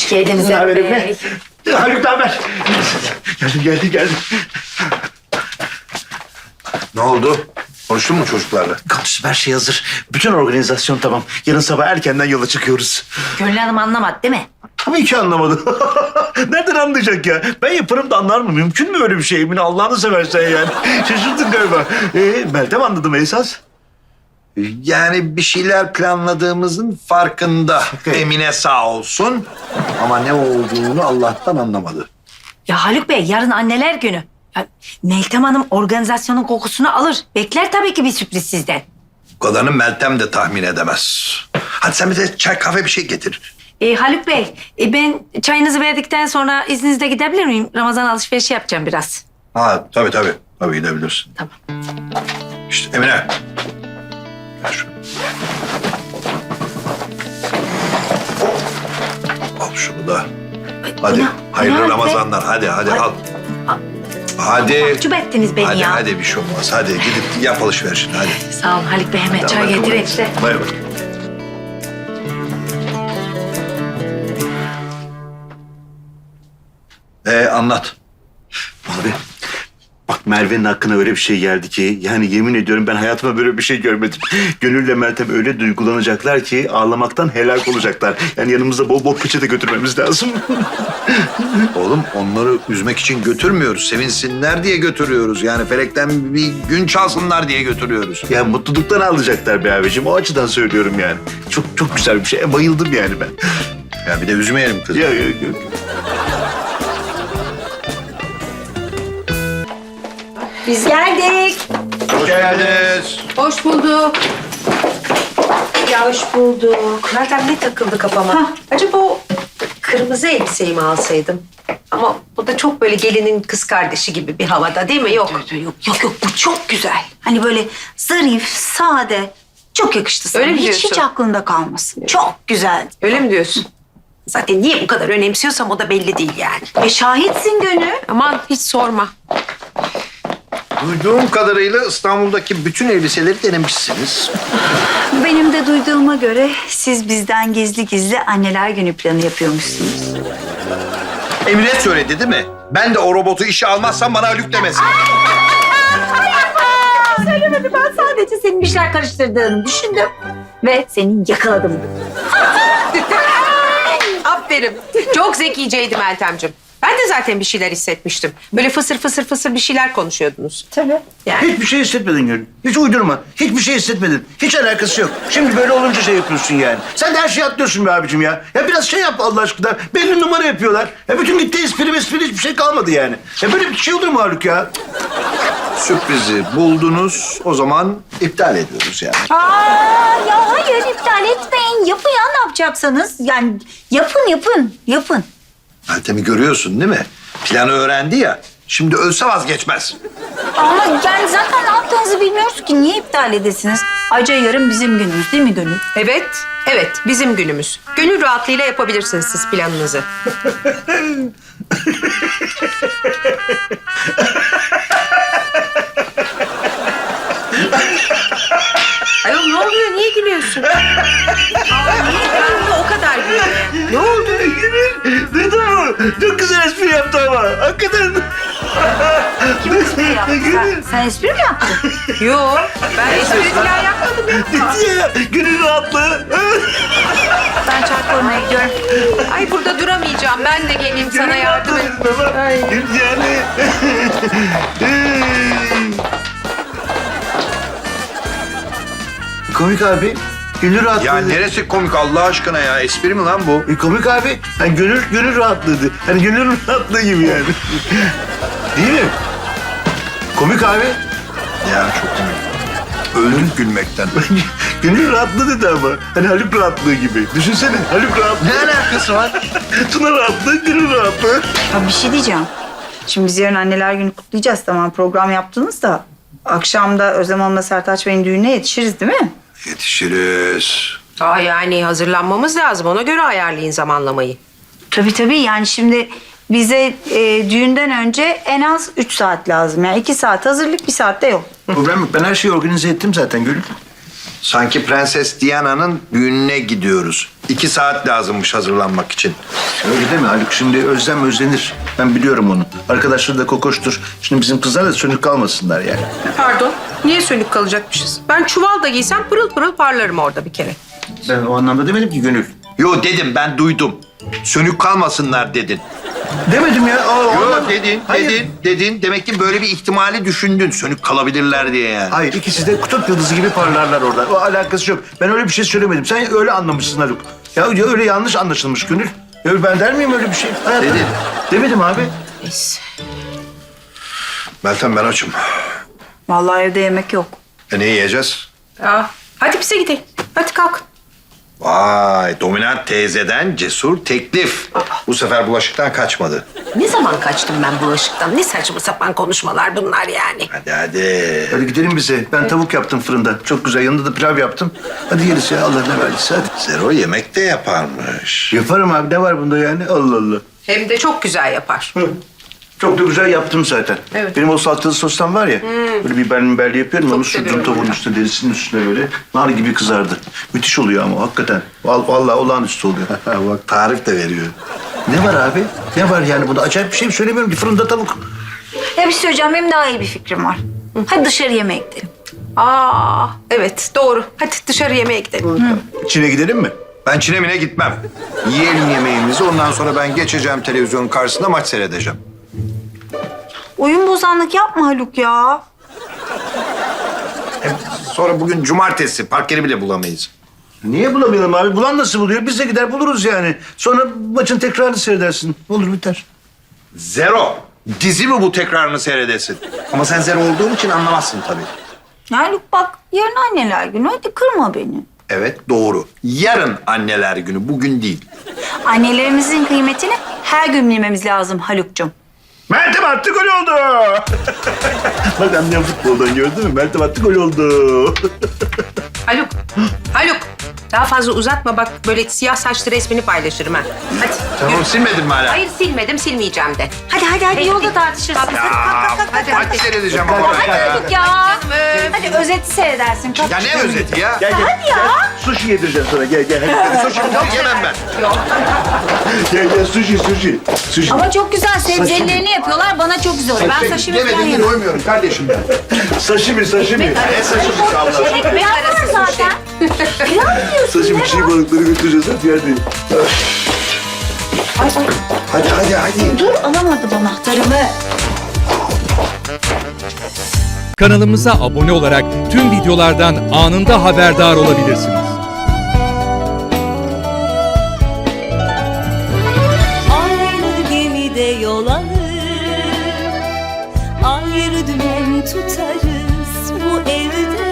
Hoş geldiniz Ne haber Bey. Emine? Haluk ne haber? Geldim. Ne oldu? Konuştun mu çocuklarla? Konuştum, her şey hazır. Bütün organizasyon tamam. Yarın sabah erkenden yola çıkıyoruz. Gönül Hanım anlamadı değil mi? Tabii ki anlamadı. Nereden anlayacak ya? Ben yaparım da anlar mı? Mümkün mü öyle bir şey? Emine Allah'ını seversen yani. Şaşırdın galiba. Meltem anladı mı esas? Yani bir şeyler planladığımızın farkında. Emine sağ olsun. Ama ne olduğunu Allah'tan anlamadı. Ya Haluk Bey yarın anneler günü. Ya, Meltem Hanım organizasyonun kokusunu alır. Bekler tabii ki bir sürpriz sizden. Bu kadarını Meltem de tahmin edemez. Hadi sen bize çay kahve bir şey getir. Haluk Bey ben çayınızı verdikten sonra izninizle gidebilir miyim? Ramazan alışverişi yapacağım biraz. Ha tabii. Tabii gidebilirsin. Tamam. İşte Emine. Gel şunu. Al şunu da. Hadi. bu ne Hayırlı Haluk Bey? Ramazanlar. Hadi al. Hadi. Mahcup ettiniz beni ya. Hadi bir şey olmaz. Hadi gidip yap alışverişini hadi. Sağ olun Haluk Bey hemen çay Hadi, getireyim hadi. size. Bay bay. Anlat. Abi bak Merve'nin hakkına öyle bir şey geldi ki yani yemin ediyorum ben hayatımda böyle bir şey görmedim. Gönül'le Meltem öyle duygulanacaklar ki ağlamaktan helak olacaklar. Yani yanımızda bol bol peçete götürmemiz lazım. Oğlum onları üzmek için götürmüyoruz. Sevinsinler diye götürüyoruz. Yani felekten bir gün çalsınlar diye götürüyoruz. Ya mutluluktan ağlayacaklar be abicim. O açıdan söylüyorum yani. Çok güzel bir şey. Bayıldım yani ben. Ya bir de üzmeyelim kızı. Ya. Biz geldik. Hoş geldiniz. Hoş bulduk. Ya hoş bulduk. Meltem ne takıldı kafama? Acaba o kırmızı elbiseyi mi alsaydım? Ama bu da çok böyle gelinin kız kardeşi gibi bir havada değil mi? Yok. Yok bu çok güzel. Hani böyle zarif, sade. Çok yakıştı sana. Öyle mi hiç diyorsun? aklında kalmasın. Çok güzel. Öyle mi diyorsun? Zaten niye bu kadar önemsiyorsam o da belli değil yani. Şahitsin Gönül. Aman hiç sorma. Duyduğum kadarıyla İstanbul'daki bütün elbiseleri denemişsiniz. Benim de duyduğuma göre siz bizden gizli gizli anneler günü planı yapıyormuşsunuz. Emine söyledi değil mi? Ben de o robotu işe almazsam bana Haluk demesin. Söylemedi, ben sadece senin bir şeyler karıştırdığını düşündüm. Ve seni yakaladım. Aferin. Çok zekiceydi Meltemciğim. Ben de zaten bir şeyler hissetmiştim. Böyle fısır bir şeyler konuşuyordunuz. Tabii. Yani Hiçbir şey hissetmedin Gönül. Hiç uydurma. Hiçbir şey hissetmedin. Hiç alakası yok. Şimdi böyle olunca şey yapıyorsun yani. Sen de her şeyi atlıyorsun be abicim ya. Ya biraz şey yap Allah aşkına. Belli numara yapıyorlar. Ya bütün gitti espri hiçbir şey kalmadı yani. Ya böyle bir şey olur mu Haluk ya? Sürprizi buldunuz. O zaman iptal ediyoruz yani. Ya hayır, iptal etmeyin. Yapın ya, ne yapacaksanız. Yani yapın. Meltem'i görüyorsun değil mi? Planı öğrendi ya. Şimdi ölse vazgeçmez. Ama yani zaten ne yaptığınızı bilmiyoruz ki. Niye iptal edesiniz? Ayrıca yarın bizim günümüz değil mi Gönül? evet bizim günümüz. Gönül rahatlığıyla yapabilirsiniz siz planınızı. Ayol ne oluyor? Niye gülüyorsun? Niye gülüyorsun? O kadar gülüyor. Ne oldu? Gönül duydun mu? Çok güzel espri yaptı ama. Hakikaten. Kim espri yaptı? Sen espri mi yaptın? Yok. Ben espri falan yapmadım ya. Dedi ya. Gönül rahatlığı. Ben çay koymaya gidiyorum. Ay burada duramayacağım. Ben de geleyim sana yardım edeyim. Ay. Yani. Komik abi. Gönül rahatlığı. Ya neresi komik Allah aşkına ya? Espri mi lan bu? Komik abi. Hani gönül rahatlığıydı. Hani gönül rahatlığı gibi yani. Değil mi? Komik abi. Ya çok komik. Öldük gülmekten. Gönül rahatlığı dedi ama. Hani Haluk rahatlığı gibi. Düşünsene Haluk rahatlığı. Ne alakası var? Tuna rahatlığı, gönül rahatlığı. Ya bir şey diyeceğim. Şimdi biz yarın anneler günü kutlayacağız, tamam, program yaptınız da. Akşam da Özlem Hanım'la Sertaç Bey'in düğününe yetişiriz değil mi? Yetişiriz. Yani hazırlanmamız lazım. Ona göre ayarlayın zamanlamayı. Tabii yani şimdi bize düğünden önce en az 3 saat lazım. Yani 2 saat hazırlık, 1 saat de yok. Problem yok. Ben her şeyi organize ettim zaten Gönül. Sanki Prenses Diana'nın düğününe gidiyoruz. 2 saat lazımmış hazırlanmak için. Öyle deme Haluk. Şimdi özlem özlenir. Ben biliyorum onu. Arkadaşları da kokoştur. Şimdi bizim kızlar da sönük kalmasınlar yani. Pardon, niye sönük kalacakmışız? Ben çuval da giysem pırıl pırıl parlarım orada bir kere. Ben o anlamda demedim ki Gönül. Yo dedim, ben duydum. Sönük kalmasınlar dedin. Demedim ya. O Yo anlamda- dedin, Hayır. dedin. Demek ki böyle bir ihtimali düşündün. Sönük kalabilirler diye yani. Hayır, ikisi de kutup yıldızı gibi parlarlar orada. O alakası yok. Ben öyle bir şey söylemedim. Sen öyle anlamışsın Haluk. Ya öyle yanlış anlaşılmış Gönül. Ya ben der miyim öyle bir şey? Hayatta. Dedin. Demedim abi. Meltem, ben açım. Vallahi evde yemek yok. Ne yiyeceğiz? Aa, hadi bize gidelim. Hadi kalk. Vay, dominant teyzeden cesur teklif. Bu sefer bulaşıktan kaçmadı. Ne zaman kaçtım ben bulaşıktan? Ne saçma sapan konuşmalar bunlar yani. Hadi. Hadi gidelim bize. Ben tavuk yaptım fırında. Çok güzel. Yanında da pilav yaptım. Hadi yeriz ya. Allah ne verdiyse hadi. Zero yemek de yaparmış. Yaparım abi. Ne var bunda yani? Allah Allah. Hem de çok güzel yapar. Hı. Çok da güzel yaptım zaten. Evet. Benim o salçalı sostan var ya. Böyle biberli yapıyorum. Çok Onu sürdüm seviyorum tavuğun onu. üstüne, derisinin üstüne böyle. Nar gibi kızardı. Müthiş oluyor ama hakikaten. Vallahi olağanüstü oluyor. Bak, tarif de veriyor. Ne var abi? Ne var yani bunda? Acayip bir şey mi söylemiyorum ki? Fırında tavuk. Ya bir şey söyleyeceğim, benim daha iyi bir fikrim var. Hadi dışarı yemeğe gidelim. Aa, evet doğru. Hadi dışarı yemeğe gidelim. Çin'e gidelim mi? Ben Çin'e gitmem. Yiyelim yemeğimizi, ondan sonra ben geçeceğim televizyonun karşısında maç seyredeceğim. Oyun bozanlık yapma Haluk ya. Sonra bugün cumartesi, park yeri bile bulamayız. Niye bulamayalım abi? Bulan nasıl buluyor? Biz de gider buluruz yani. Sonra maçın tekrarını seyredersin. Olur biter. Zero. Dizi mi bu, tekrarını seyredesin? Ama sen zero olduğun için anlamazsın tabii. Haluk bak, yarın anneler günü, hadi kırma beni. Evet, doğru. Yarın anneler günü, bugün değil. Annelerimizin kıymetini her gün bilmemiz lazım Haluk'cum. Meltem attı gol oldu. Bak annem futboldan gördün mü? Meltem attı gol oldu. Haluk, Haluk. Daha fazla uzatma bak böyle siyah saçlı resmini paylaşırım ha. Hadi. Tamam, silmedin mi hala? Hayır silmedim, silmeyeceğim de. Hadi yolda tartışırsınız. Hadi kalk. Hadi seyredeceğim ama ben Hadi ya. Haluk ya. Hadi özeti seyredersin. Kalk. Ya ne özeti ya? Gel. Hadi ya. Sushi yedireceğim sana. Gel. Hadi. Sushi yok, yemem ben. Gel sushi. Ama çok güzel sebzelerini yapıyorlar. Bana çok güzel oluyor. Ben sashimi falan Demedim mi, yemem. doymuyorum kardeşim ben. Sashimi. Ne sashimi abla? Ekmek var zaten. Pilav yiyorsun. Sashimi çiğ balıkları götüreceğiz. Hadi. Hadi. Dur, alamadım anahtarımı. Kanalımıza abone olarak tüm videolardan anında haberdar olabilirsiniz. Aynı gemide yol alır, ayrı dümen tutarız bu evde.